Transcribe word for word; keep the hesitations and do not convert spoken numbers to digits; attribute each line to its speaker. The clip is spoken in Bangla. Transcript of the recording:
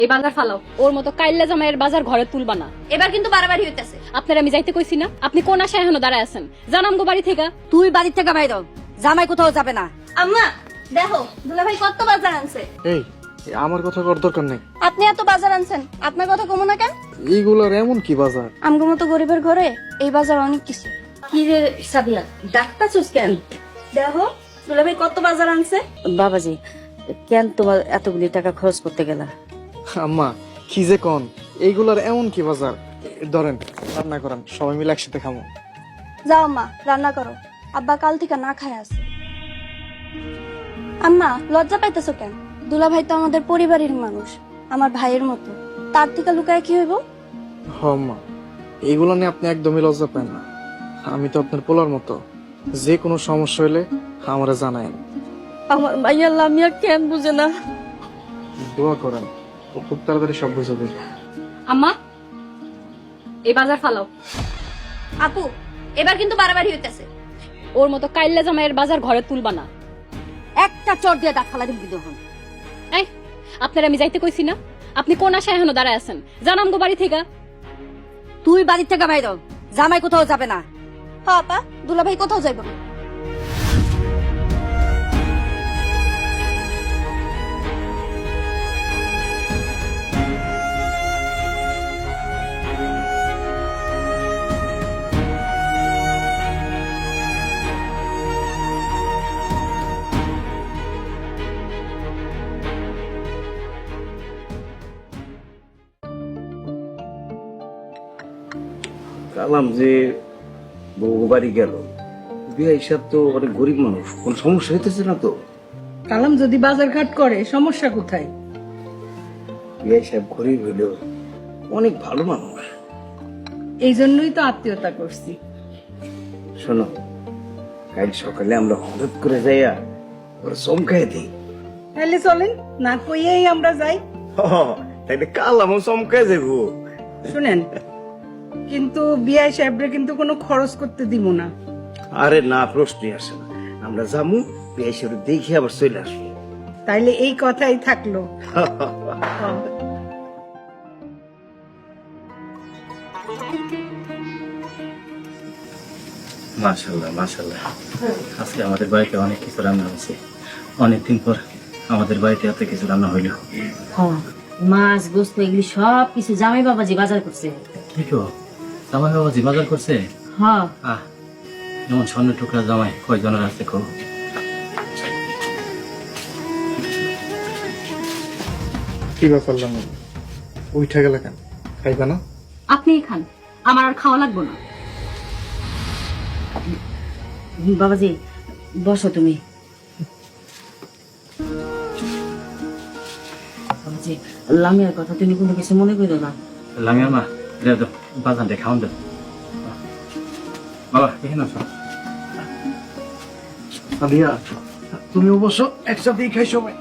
Speaker 1: এই বাজার ফালাও। ওর মতো কাইল্লা জামাইয়ের বাজার ঘরে তুলবা না।
Speaker 2: এবার কিন্তু বাড়াবাড়ি হইতেছে।
Speaker 1: আপনার আমি যাইতে কইছি না, আপনি কোন আশায় এখনো দাঁড়ায় আছেন? জানাম গো বাড়ি থেকে।
Speaker 3: তুই বাড়ির থেকে বাইর হ। জামাই কোথাও যাবে না।
Speaker 2: আম্মা দেখো দুলা ভাই কত বাজার আনছে।
Speaker 4: এই আমার কথা কর দরকার নেই।
Speaker 2: আপনি এত বাজার আনছেন, আপনার কথা কমো না কেন?
Speaker 4: এইগুলোর এমন কি বাজার?
Speaker 2: আমগো মতো গরিবের ঘরে এই বাজার অনেক কিছু।
Speaker 3: কি রে সাবিয়া, ডাক্তার চুস কেন?
Speaker 2: দেখো দুলা ভাই কত বাজার আনছে।
Speaker 3: বাবাজি, কেন তোমার এতগুলি টাকা খরচ করতে গেলা?
Speaker 4: আম্মা কি যে কন, এইগুলোর এমন কি বাজার? ধরেন রান্না করেন, সবাই মিলে একসাথে খামো।
Speaker 2: যাও আম্মা রান্না করো, আব্বা কাল থেকে না খায় আছে। আম্মা লজ্জা পাইতেছো কেন? দুলা ভাই তো আমাদের পরিবারের মানুষ, আমার ভাইয়ের মতো। তার থেকে লুকায় কি হইব?
Speaker 4: হ আম্মা, এইগুলো নিয়ে আপনি একদমই লজ্জা পান না। আমি তো আপনার পোলার মতো, যে কোনো সমস্যা হলে আমারে জানায়েন।
Speaker 3: আমার মাইয়া লামিয়া কেন বুঝে না?
Speaker 4: দোয়া করেন, ও খুব তাড়াতাড়ি সব বুঝে দেবে।
Speaker 1: আম্মা এই বাজার ফালাও।
Speaker 2: আপু এবার কিন্তু বাড়াবাড়ি হইতেছে।
Speaker 1: ওর মতো কাইল্লা জামাইয়ের বাজার ঘরে তুলবা না।
Speaker 3: একটা চট দিয়ে দাঁত ফালা দিবি তখন।
Speaker 1: এই আপনার আমি যাইতে কইছি না, আপনি কোন আশায় এখনো দাঁড়ায় আছেন? জানাম গো বাড়ি থেকে।
Speaker 3: তুই বাড়ির থেকে বাইর হ। জামাই কোথাও যাবে না।
Speaker 2: হ্যাঁ আপা, দুলা ভাই কোথাও যাইব না।
Speaker 5: কালাম যে বউ বাড়ি গেল, বিয়া হিসাব তো অনেক গরিব মানুষ, কোন সমস্যা হইতেছে না তো?
Speaker 6: কালাম যদি বাজার ঘাট করে সমস্যা কোথায়?
Speaker 5: বিয়া হিসাব গরিব হইলেও অনেক ভালো মানুষ।
Speaker 6: এই জন্যই তো আত্মীয়তা করছি।
Speaker 5: শোনো, কাল সকালে আমরা হঠাৎ করে যাইয়া ওরা চমকাই দিই।
Speaker 6: তাহলে চলেন, না কইয়াই আমরা যাই।
Speaker 5: তাইলে কালামও চমকাই যাবো।
Speaker 6: শুনেন, কিন্তু বিয়া সাহেবরে কিন্তু কোনো খরচ করতে দিব না।
Speaker 5: আরে না, প্রশ্নই আসে না। আমরা যাবো, বিয়া হিসাবে দেখে আবার চলে আসবো।
Speaker 6: তাইলে এই কথাই থাকলো।
Speaker 7: মাশাআল্লাহ মাশাআল্লাহ, আজকে আমাদের বাড়িতে অনেক কিছু রান্না হয়েছে। অনেকদিন পর আমাদের বাড়িতে এত কিছু রান্না হইল।
Speaker 3: হ্যাঁ, মাছ গোস্ত এগুলি সব কিছু জামাই বাবাজি বাজার করছে।
Speaker 7: কি গো, জামাই বাবাজি বাজার করছে?
Speaker 3: হ্যাঁ,
Speaker 7: আহ, যেমন স্বর্ণের টুকরা জামাই কয়জনের আছে কো?
Speaker 4: কি ব্যাপার লামি, উঠে গেলে কেন? খাইবা না?
Speaker 1: আপনিই খান, আমার আর খাওয়া লাগবে না।
Speaker 3: বাবাজি বসো তুমি। বাবাজি, লামিয়ার কথা তুমি কোনো কিছু মনে করো না।
Speaker 7: লামিয়া মা, দেও দাও, বাজানটা খাওয়ান দাও। বাবা এখানে আসো।
Speaker 4: আলিয়া, তুমি অবশ্য একসাথেই খাই সবাই।